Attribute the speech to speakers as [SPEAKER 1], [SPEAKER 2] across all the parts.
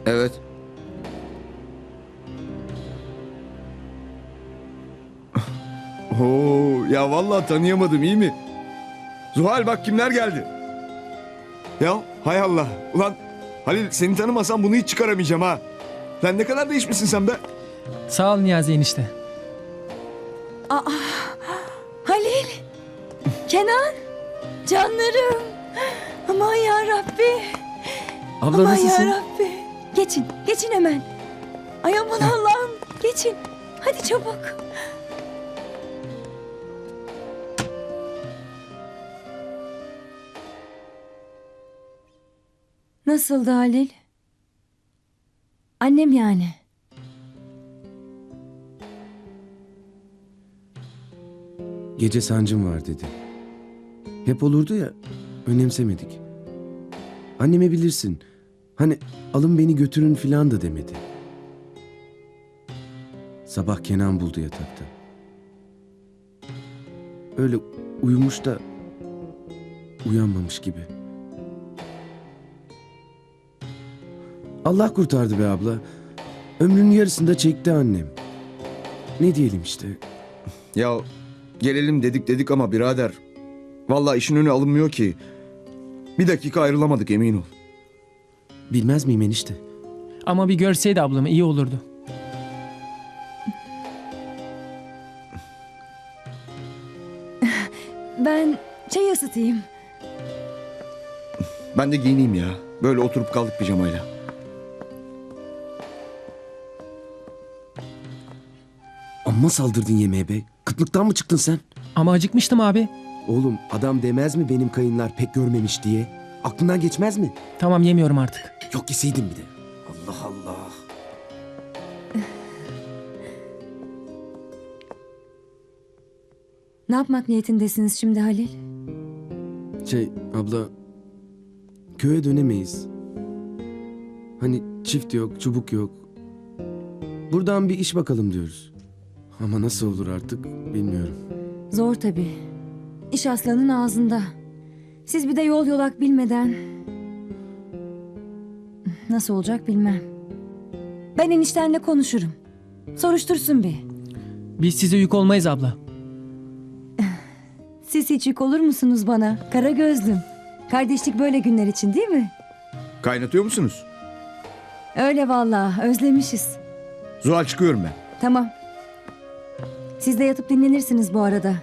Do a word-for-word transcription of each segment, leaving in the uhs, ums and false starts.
[SPEAKER 1] Evet. Oo, ya vallahi tanıyamadım, iyi mi? Zuhal bak kimler geldi. Ya hay Allah. Ulan Halil, seni tanımasam bunu hiç çıkaramayacağım ha. Lan ne kadar değişmişsin sen be.
[SPEAKER 2] Sağ ol Niyazi enişte.
[SPEAKER 3] Halil, Kenan, canlarım. Aman ya Rabbi.
[SPEAKER 2] Abla
[SPEAKER 3] Aman
[SPEAKER 2] nasılsın?
[SPEAKER 3] ya Rabbi. Geçin, geçin hemen. Ay aman Allah'ım, geçin. Hadi çabuk. Nasıldı Halil? Annem yani.
[SPEAKER 4] Gece sancım var dedi. Hep olurdu ya, önemsemedik. Anneme bilirsin. Hani alın beni götürün filan da demedi. Sabah Kenan buldu yatakta. Öyle uyumuş da uyanmamış gibi. Allah kurtardı be abla. Ömrünün yarısında çekti annem. Ne diyelim işte.
[SPEAKER 1] Ya gelelim dedik dedik ama birader. Vallahi işin önü alınmıyor ki. Bir dakika ayrılamadık, emin ol.
[SPEAKER 4] Bilmez miyim enişte?
[SPEAKER 2] Ama bir görseydi ablamı iyi olurdu.
[SPEAKER 3] Ben çay ısıtayım.
[SPEAKER 1] Ben de giyineyim ya. Böyle oturup kaldık pijamayla.
[SPEAKER 4] Amma saldırdın yemeğe be. Kıtlıktan mı çıktın sen?
[SPEAKER 2] Ama acıkmıştım abi.
[SPEAKER 4] Oğlum adam demez mi benim kayınlar pek görmemiş diye? Aklından geçmez mi?
[SPEAKER 2] Tamam yemiyorum artık.
[SPEAKER 4] Yok yeseydin bir de. Allah Allah.
[SPEAKER 3] Ne yapmak niyetindesiniz şimdi Halil?
[SPEAKER 4] Şey abla, köye dönemeyiz. Hani çift yok, çubuk yok. Buradan bir iş bakalım diyoruz. Ama nasıl olur artık bilmiyorum.
[SPEAKER 3] Zor tabii. İş aslanın ağzında. Siz bir de yol yolak bilmeden... Nasıl olacak bilmem. Ben eniştenle konuşurum. Soruştursun bir.
[SPEAKER 2] Biz size yük olmayız abla.
[SPEAKER 3] Siz hiç yük olur musunuz bana? Kara gözlüm. Kardeşlik böyle günler için değil mi?
[SPEAKER 1] Kaynatıyor musunuz?
[SPEAKER 3] Öyle vallahi, özlemişiz.
[SPEAKER 1] Zuhal, çıkıyorum ben.
[SPEAKER 3] Tamam. Siz de yatıp dinlenirsiniz bu arada.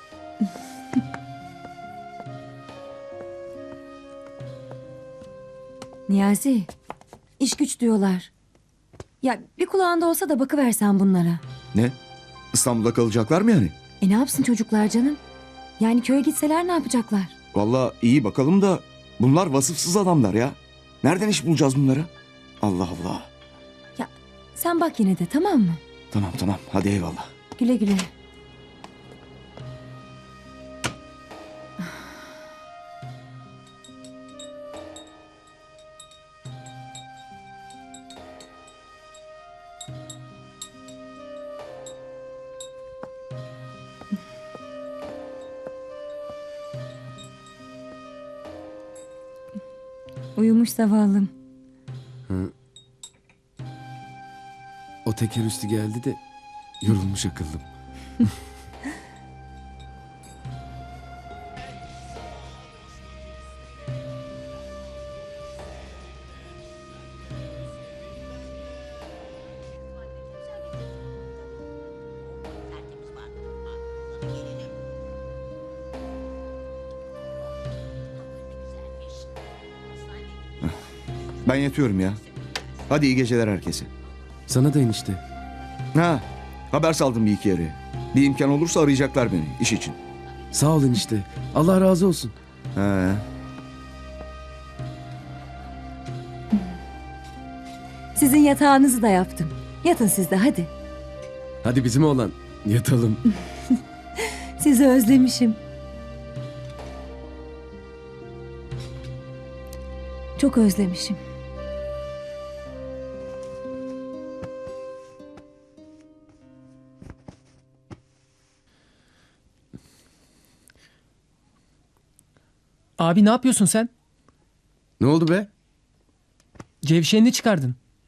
[SPEAKER 3] Niyazi, iş güç diyorlar. Ya bir kulağında olsa da bakıversen bunlara.
[SPEAKER 1] Ne? İstanbul'da kalacaklar mı yani?
[SPEAKER 3] E ne yapsın çocuklar canım? Yani köye gitseler ne yapacaklar?
[SPEAKER 1] Vallahi iyi bakalım da bunlar vasıfsız adamlar ya. Nereden iş bulacağız bunları? Allah Allah.
[SPEAKER 3] Ya sen bak yine de, tamam mı?
[SPEAKER 1] Tamam tamam, hadi eyvallah.
[SPEAKER 3] Güle güle. Uyumuş zavallım.
[SPEAKER 4] O teker üstü geldi de yorulmuş akıllım.
[SPEAKER 1] Ben yatıyorum ya. Hadi iyi geceler herkese.
[SPEAKER 4] Sana da enişte.
[SPEAKER 1] Ha, haber saldım bir iki yere. Bir imkan olursa arayacaklar beni iş için.
[SPEAKER 4] Sağ ol enişte. Allah razı olsun.
[SPEAKER 1] He.
[SPEAKER 3] Sizin yatağınızı da yaptım. Yatın siz de hadi.
[SPEAKER 4] Hadi bizim oğlan yatalım.
[SPEAKER 3] Sizi özlemişim. Çok özlemişim.
[SPEAKER 2] Abi ne yapıyorsun sen?
[SPEAKER 4] Ne oldu be?
[SPEAKER 2] Cevşenini çıkardın.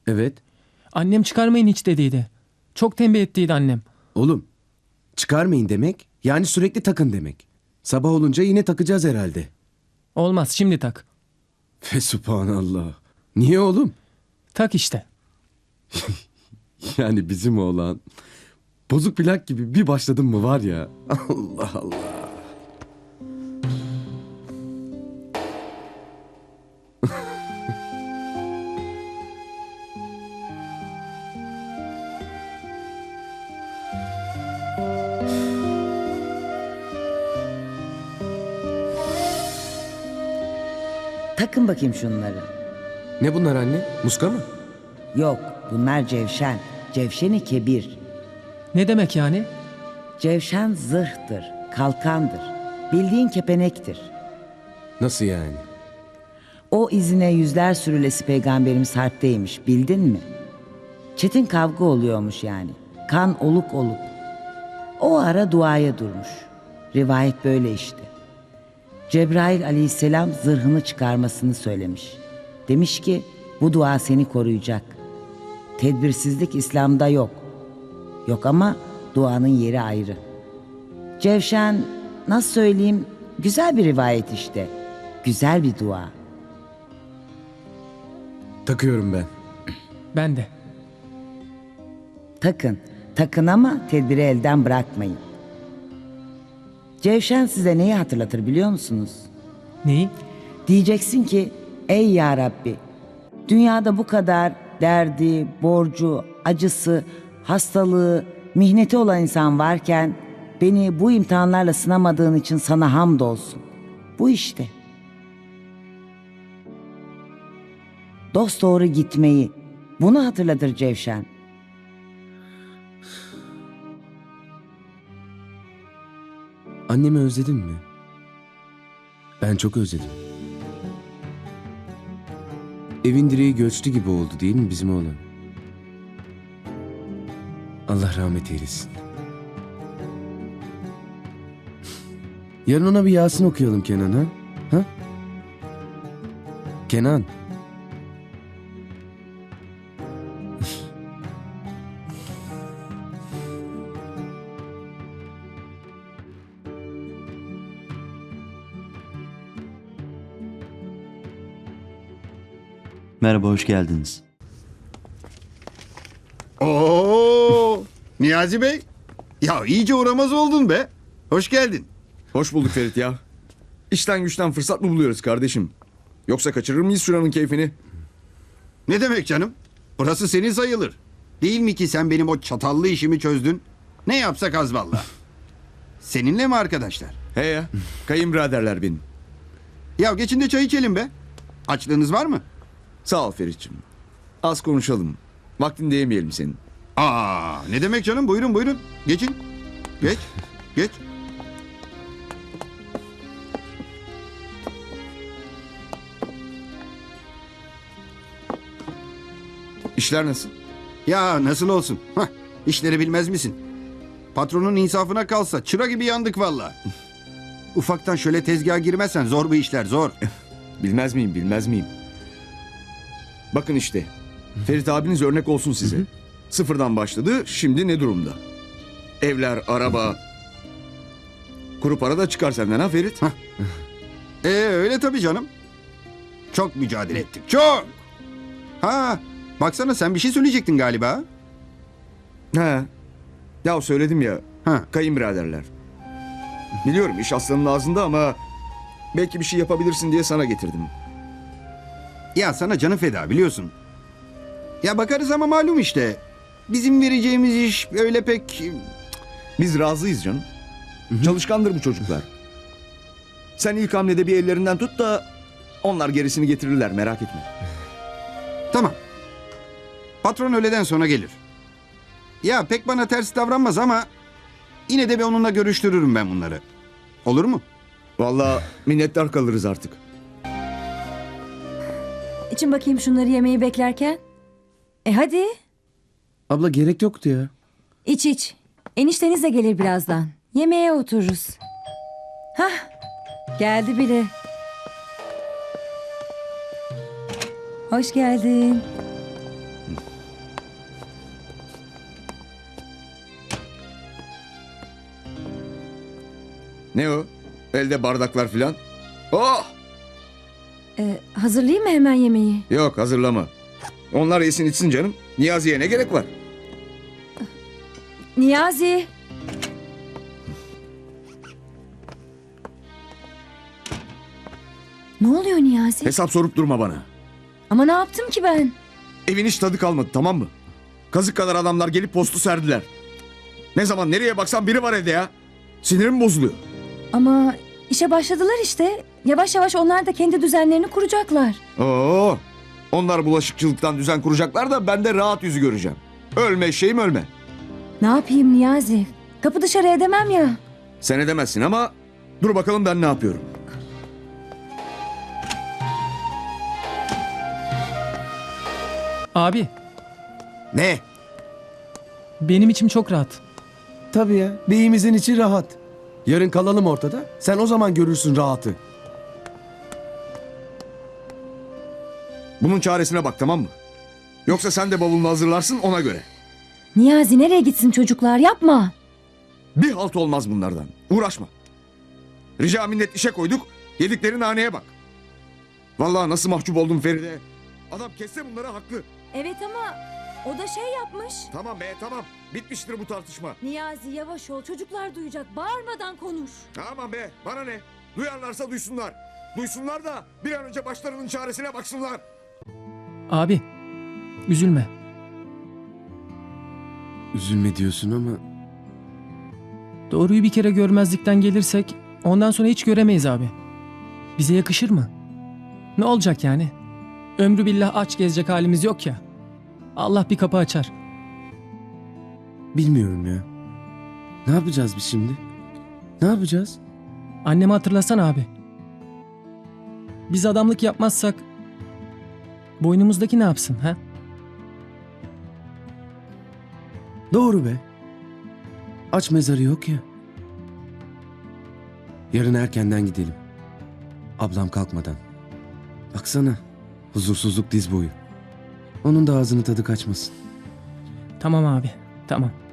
[SPEAKER 4] Evet.
[SPEAKER 2] Annem çıkarmayın hiç dediydi. Çok tembih ettiydi annem.
[SPEAKER 4] Oğlum çıkarmayın demek yani sürekli takın demek. Sabah olunca yine takacağız herhalde.
[SPEAKER 2] Olmaz şimdi tak.
[SPEAKER 4] Fe subhanallah. Niye oğlum?
[SPEAKER 2] Tak işte.
[SPEAKER 4] Yani bizim oğlan bozuk plak gibi bir başladın mı var ya. Allah Allah.
[SPEAKER 5] Takın bakayım şunları.
[SPEAKER 4] Ne bunlar anne? Muska mı?
[SPEAKER 5] Yok, bunlar cevşen. Cevşeni kebir.
[SPEAKER 2] Ne demek yani?
[SPEAKER 5] Cevşen zırhtır, kalkandır. Bildiğin kepenektir.
[SPEAKER 4] Nasıl yani?
[SPEAKER 5] O izine yüzler sürülesi peygamberimiz harpteymiş, bildin mi? Çetin kavga oluyormuş yani. Kan oluk oluk. O ara duaya durmuş. Rivayet böyle işte. Cebrail aleyhisselam zırhını çıkarmasını söylemiş. Demiş ki bu dua seni koruyacak. Tedbirsizlik İslam'da yok. Yok ama duanın yeri ayrı. Cevşen nasıl söyleyeyim güzel bir rivayet işte. Güzel bir dua.
[SPEAKER 4] Takıyorum ben.
[SPEAKER 2] Ben de.
[SPEAKER 5] Takın, takın ama tedbiri elden bırakmayın. Cevşen size neyi hatırlatır biliyor musunuz?
[SPEAKER 2] Neyi?
[SPEAKER 5] Diyeceksin ki ey ya Rabbi dünyada bu kadar derdi, borcu, acısı, hastalığı, mihneti olan insan varken beni bu imtihanlarla sınamadığın için sana hamdolsun. Bu işte. Dosdoğru gitmeyi bunu hatırlatır Cevşen.
[SPEAKER 4] Annemi özledin mi? Ben çok özledim. Evin direği göçtü gibi oldu değil mi bizim oğlan? Allah rahmet eylesin. Yarın ona bir Yasin okuyalım Kenan ha? Ha? Kenan.
[SPEAKER 6] Merhaba, hoş geldiniz.
[SPEAKER 7] Oo, Niyazi Bey. Ya iyice uğramaz oldun be. Hoş geldin.
[SPEAKER 1] Hoş bulduk Ferit ya. İşten güçten fırsat mı buluyoruz kardeşim? Yoksa kaçırır mıyız şuranın keyfini?
[SPEAKER 7] Ne demek canım? Burası senin sayılır. Değil mi ki sen benim o çatallı işimi çözdün? Ne yapsak az valla. Seninle mi arkadaşlar?
[SPEAKER 1] He ya, kayınbiraderler benim.
[SPEAKER 7] Ya geçin de çay içelim be. Açlığınız var mı?
[SPEAKER 1] Sağ ol Ferit'ciğim. Az konuşalım. Vaktinde yemeyelim senin.
[SPEAKER 7] Aa, ne demek canım? Buyurun buyurun. Geçin. Geç. Geç.
[SPEAKER 1] İşler nasıl?
[SPEAKER 7] Ya nasıl olsun? Hah, işleri bilmez misin? Patronun insafına kalsa çıra gibi yandık valla. Ufaktan şöyle tezgaha girmezsen zor bu işler zor.
[SPEAKER 1] Bilmez miyim, bilmez miyim? Bakın işte. Ferit abiniz örnek olsun size. Sıfırdan başladı, şimdi ne durumda? Evler, araba. Kuru para da çıkar senden ha Ferit?
[SPEAKER 7] Ee öyle tabii canım. Çok mücadele ettik. Çok. Ha, baksana sen bir şey söyleyecektin galiba.
[SPEAKER 1] He. Ya söyledim ya.
[SPEAKER 7] Ha.
[SPEAKER 1] Kayınbiraderler. Biliyorum iş aslanın ağzında ama belki bir şey yapabilirsin diye sana getirdim.
[SPEAKER 7] Ya sana canı feda biliyorsun. Ya bakarız ama malum işte. Bizim vereceğimiz iş öyle pek...
[SPEAKER 1] Biz razıyız canım. Çalışkandır bu çocuklar. Sen ilk hamlede bir ellerinden tut da onlar gerisini getirirler, merak etme.
[SPEAKER 7] Tamam. Patron öğleden sonra gelir. Ya pek bana ters davranmaz ama yine de bir onunla görüştürürüm ben bunları. Olur mu?
[SPEAKER 1] Vallahi minnettar kalırız artık.
[SPEAKER 3] İçin bakayım şunları yemeği beklerken. E hadi
[SPEAKER 4] Abla gerek yoktu ya.
[SPEAKER 3] iç iç. Enişteniz de gelir birazdan. Yemeğe otururuz. Hah geldi bile. Hoş geldin.
[SPEAKER 1] Ne o? Elde bardaklar filan. Oh!
[SPEAKER 3] Ee, hazırlayayım mı hemen yemeği?
[SPEAKER 1] Yok hazırlama. Onlar yesin içsin canım. Niyazi'ye ne gerek var?
[SPEAKER 3] Niyazi. Ne oluyor Niyazi?
[SPEAKER 1] Hesap sorup durma bana.
[SPEAKER 3] Ama ne yaptım ki ben?
[SPEAKER 1] Evin hiç tadı kalmadı, tamam mı? Kazık kadar adamlar gelip postu serdiler. Ne zaman nereye baksan biri var evde ya. Sinirim bozuluyor.
[SPEAKER 3] Ama işe başladılar işte. Yavaş yavaş onlar da kendi düzenlerini kuracaklar.
[SPEAKER 1] Oo! Onlar bulaşıkçılıktan düzen kuracaklar da ben de rahat yüzü göreceğim. Ölme şeyim ölme.
[SPEAKER 3] Ne yapayım Niyazi? Kapı dışarı edemem ya.
[SPEAKER 1] Sen edemezsin ama dur bakalım ben ne yapıyorum.
[SPEAKER 2] Abi,
[SPEAKER 1] Ne?
[SPEAKER 2] benim içim çok rahat.
[SPEAKER 4] Tabii ya. Beyimizin içi rahat. Yarın kalalım ortada. Sen o zaman görürsün rahatı.
[SPEAKER 1] Bunun çaresine bak, tamam mı? Yoksa sen de bavulunu hazırlarsın ona göre.
[SPEAKER 3] Niyazi nereye gitsin çocuklar, yapma.
[SPEAKER 1] Bir halt olmaz bunlardan. Uğraşma. Rica minnet işe koyduk. Yedikleri naneye bak. Vallahi nasıl mahcup oldum Feride. Adam kesse bunları haklı.
[SPEAKER 3] Evet ama o da şey yapmış.
[SPEAKER 1] Tamam be tamam. Bitmiştir bu tartışma.
[SPEAKER 3] Niyazi yavaş ol, çocuklar duyacak, bağırmadan konuş.
[SPEAKER 1] Tamam be bana ne? Duyarlarsa duysunlar. Duysunlar da bir an önce başlarının çaresine baksınlar.
[SPEAKER 2] Abi, üzülme.
[SPEAKER 4] Üzülme diyorsun ama
[SPEAKER 2] Doğruyu bir kere görmezlikten gelirsek ondan sonra hiç göremeyiz abi. Bize yakışır mı? Ne olacak yani? Ömrü billah aç gezecek halimiz yok ya. Allah bir kapı açar.
[SPEAKER 4] bilmiyorum ya. Ne yapacağız biz şimdi? Ne yapacağız?
[SPEAKER 2] Annemi hatırlasana abi. Biz adamlık yapmazsak boynumuzdaki ne yapsın ha?
[SPEAKER 4] Doğru be. Aç mezarı yok ya. Yarın erkenden gidelim. Ablam kalkmadan. Baksana. Huzursuzluk diz boyu. Onun da ağzını tadı kaçmasın.
[SPEAKER 2] Tamam abi, tamam.